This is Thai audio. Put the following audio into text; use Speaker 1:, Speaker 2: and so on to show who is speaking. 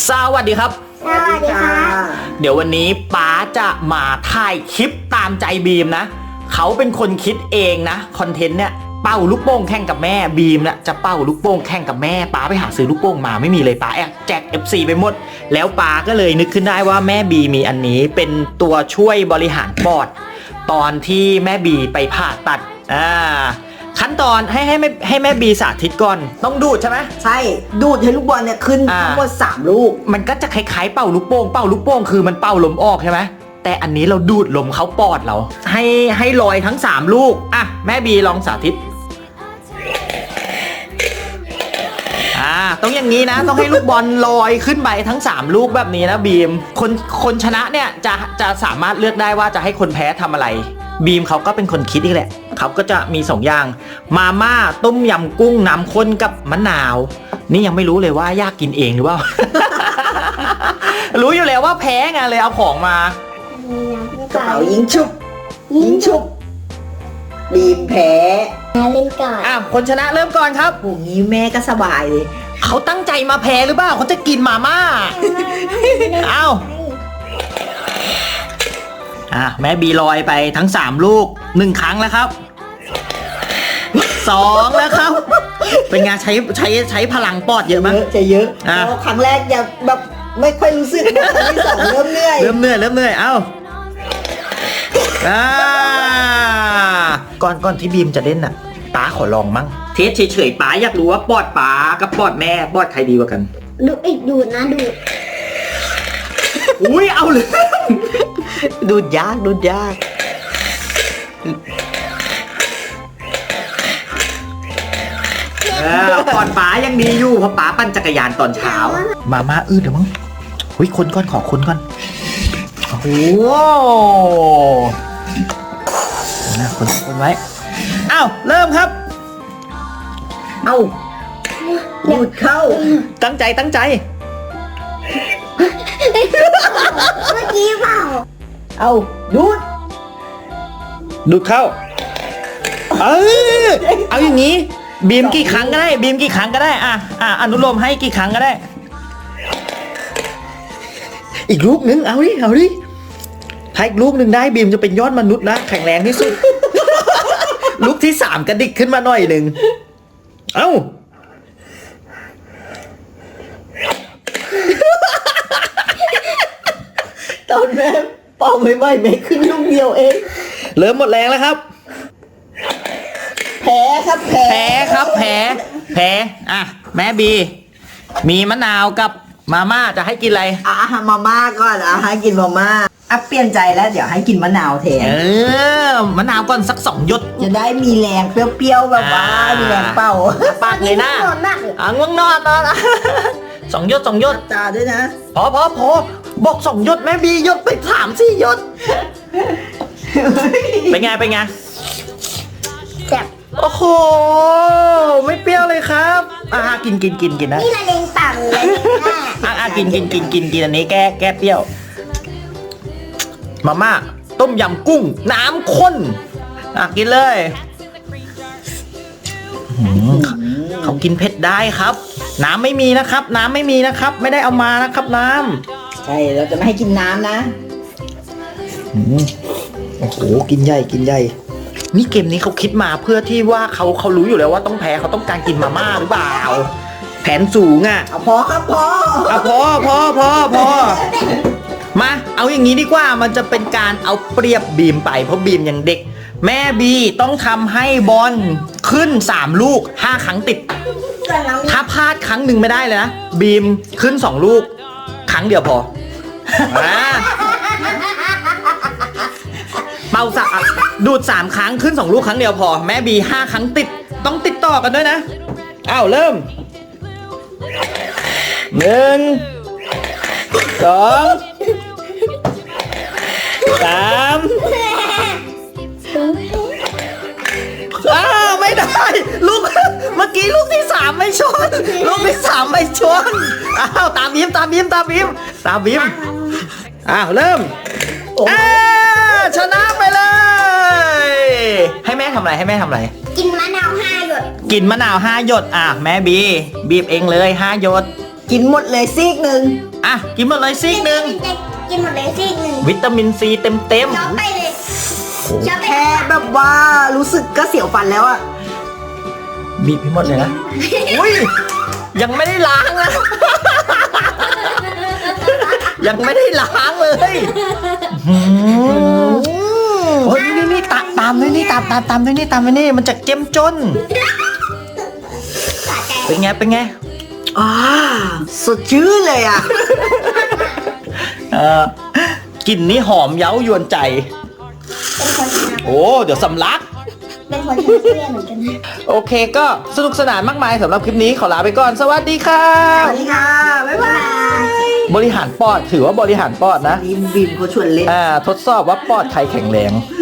Speaker 1: สวัสดีครับ
Speaker 2: สวัสดีค่ะ
Speaker 1: เดี๋ยววันนี้ป๊าจะมาถ่ายคลิปตามใจบีมนะเขาเป็นคนคิดเองนะคอนเทนต์เนี่ยเป่าลูกโป่งแข่งกับแม่บีมนะจะเป่าลูกโป่งแข่งกับแม่ป๊าไปหาซื้อลูกโป่งมาไม่มีเลยป๊าแจก FC ไปหมดแล้วป๊าก็เลยนึกขึ้นได้ว่าแม่บีมีอันนี้เป็นตัวช่วยบริหารปอดตอนที่แม่บีไปผ่าตัดขั้นตอนให้แม่บีสาธิตก่อนต้องดูดใช่ไหม
Speaker 2: ใช่ดูดให้ลูกบอลเนี่ยขึ้นทั้งหมด3ลูก
Speaker 1: มันก็จะคล้ายๆเป่าลูกโป่งคือมันเป่าลมออกใช่ไหมแต่อันนี้เราดูดลมเข้าปอดเราให้ลอยทั้ง3ลูกอ่ะแม่บีลองสาธิตต้องอย่างนี้นะต้องให้ลูกบอลลอยขึ้นไปทั้ง3ลูกแบบนี้นะบีมคนชนะเนี่ยจะสามารถเลือกได้ว่าจะให้คนแพ้ทำอะไรบีมเขาก็เป็นคนคิดอีกแหละเขาก็จะมี2อย่างมาม่าต้มยำกุ้งน้ำข้นกับมะนาวนี่ยังไม่รู้เลยว่าอยากกินเองหรือเปล่า รู้อยู่แล้วว่าแพ้ไงเลยเอาของมาก
Speaker 2: ระเป๋ายิงชุบบีมแพ้
Speaker 3: เล่นก่อน
Speaker 1: คนชนะเริ่มก่อนครับ
Speaker 2: โอ้ยแม่ก็สบายเลย
Speaker 1: เขาตั้งใจมาแพ้หรือเปล่าเขาจะกินมาม่าแม่บีลอยไปทั้ง3ลูก1ครั้งแล้วครับ2แล้วครับเป็นไงใช้พลังปอดเยอะมั้ย
Speaker 2: จะเยอะครั้งแรกยังแบบไม่ค่อยรู้สึกครั้งที่2เริ่มเหนื่อย
Speaker 1: ก่อนที่บีมจะเล่นน่ะป๊าขอลองมั้งเทสเฉยๆป๊าอยากรู้ว่าปอดป๊ากับปอดแม่ปอดใครดีกว่ากัน
Speaker 3: ดูดนะดูด
Speaker 1: อุ้ยเอาเลย
Speaker 2: ดูดยาก
Speaker 1: ปอดป๊ายังดีอยู่เพราะป๊าปั่นจักรยานตอนเช้ามาม่าเดี๋ยวมั้งคนก่อนขอคนก่อนโอ้โหนะคนไว้เริ่มครับ
Speaker 2: ดูดเข้า
Speaker 1: ตั้งใจ
Speaker 3: เมื่อกี้เปล่า
Speaker 1: ดูดเข้าเอาอย่างนี้บีมกี่ครั้งก็ได้อนุโลมให้กี่ครั้งก็ได้อีกลูกนึงเอาดิถ้าอีกลูกนึงได้บีมจะเป็นยอดมนุษย์นะแข็งแรงที่สุด ลูกที่3กระดิกขึ้นมาหน่อยนึง
Speaker 2: ตอนแม่เป่าไม่ไม่ขึ้นลูกเดียวเอง
Speaker 1: เริ่มหมดแรงแล้วครับ
Speaker 2: แพ้
Speaker 1: แม่บีมีมะนาวกับมาม่าจะให้กินอะไร
Speaker 2: มาม่าก่อนให้กินมาม่าเปลี่ยนใจแล้วเดี๋ยวให้กินมะนาวแทน
Speaker 1: มะนาวก่อนสัก2หยด
Speaker 2: จะได้มีแรงเปรี้ยวๆแบบว่ามีแรงเป่า
Speaker 1: ปากเลยนะง่วงนอน2หยด
Speaker 2: ตาด้วยนะ
Speaker 1: พอบอก2หยดแม่บีหยดไป3-4หยดเป็นไง
Speaker 3: แซ่บ
Speaker 1: โอ้โหไม่เปรี้ยวเลยครับกินนะ
Speaker 3: นี่ละเลงปากเลย
Speaker 1: กินอันนี้แก้เปรี้ยวมาม่าต้มยำกุ้งน้ำข้นกินเลยเขากินเผ็ดได้ครับน้ำไม่มีนะครับไม่ได้เอามานะครับน้
Speaker 2: ำใช่เราจะไม่ให้กินน้ำนะ
Speaker 1: โอ้โหกินใหญ่นี่เกมนี้เขาคิดมาเพื่อที่ว่าเขารู้อยู่แล้วว่าต้องแพ้เขาต้องการกินมาม่าหรือเปล่าแผนสูง
Speaker 2: พอครับพอ
Speaker 1: มาเอาอย่างนี้ดีกว่ามันจะเป็นการเอาเปรียบบีมไปเพราะบีมยังเด็กแม่บีต้องทำให้บอลขึ้น3ลูก5ครั้งติดถ้าพลาดครั้งหนึ่งไม่ได้เลยนะบีมขึ้น2ลูกครั้งเดียวพอเป่าดูด3ครั้งขึ้น2ลูกครั้งเดียวพอแม่บี5ครั้งติดต้องติดต่อกันด้วยนะเริ่ม1 2 3ไม่ได้ลูกเมื่อกี้ลูกที่3ไม่ชนตามบีมเริ่มชนะไปเลยให้แม่ทำอะไร
Speaker 3: กินมะนาว5 หยด
Speaker 1: แม่บีบีบเองเลย5 หยด
Speaker 2: กินหมดเลยซีกหนึ่ง
Speaker 1: อ่ะกินหมดเลยซีกหนึ่ง
Speaker 3: กินหมดเลยซีกหนึ่ง
Speaker 1: วิตามินซีเต็ม
Speaker 3: ช้อนไปเลยช้อนไป
Speaker 2: แค่แบบว่ารู้สึกก็เสียวฟันแล้วอะ
Speaker 1: ๆบีบให้หมดเลยนะอุ้ยยังไม่ได้ล้างนะ ยังไม่ได้ล้างเลยโอ้ยนี่ตามด้วยนี่ตามด้วยนี่มันจะเจ้มจน
Speaker 3: สะใจ
Speaker 1: เป็นไง
Speaker 2: อ่าสดชื่นเลยอะ
Speaker 1: กลิ่นนี้หอมเย้ายวนใจ
Speaker 3: เป็นคนชนะ
Speaker 1: โอ้เดี๋ยวสำลัก
Speaker 3: เป็นคนชนะเพื่อนเหมือนกันนะ
Speaker 1: โอเคก็สนุกสนานมากมายสำหรับคลิปนี้ขอลาไปก่อน สวัสดีครั
Speaker 2: ส
Speaker 1: บ
Speaker 2: วัสดีค่ะ บ๊ายบาย
Speaker 1: บริหารปอดถือว่าบริหารปอดนะ
Speaker 2: บีมเขาชวนเล่น
Speaker 1: ทดสอบว่าปอดใครแข็งแรง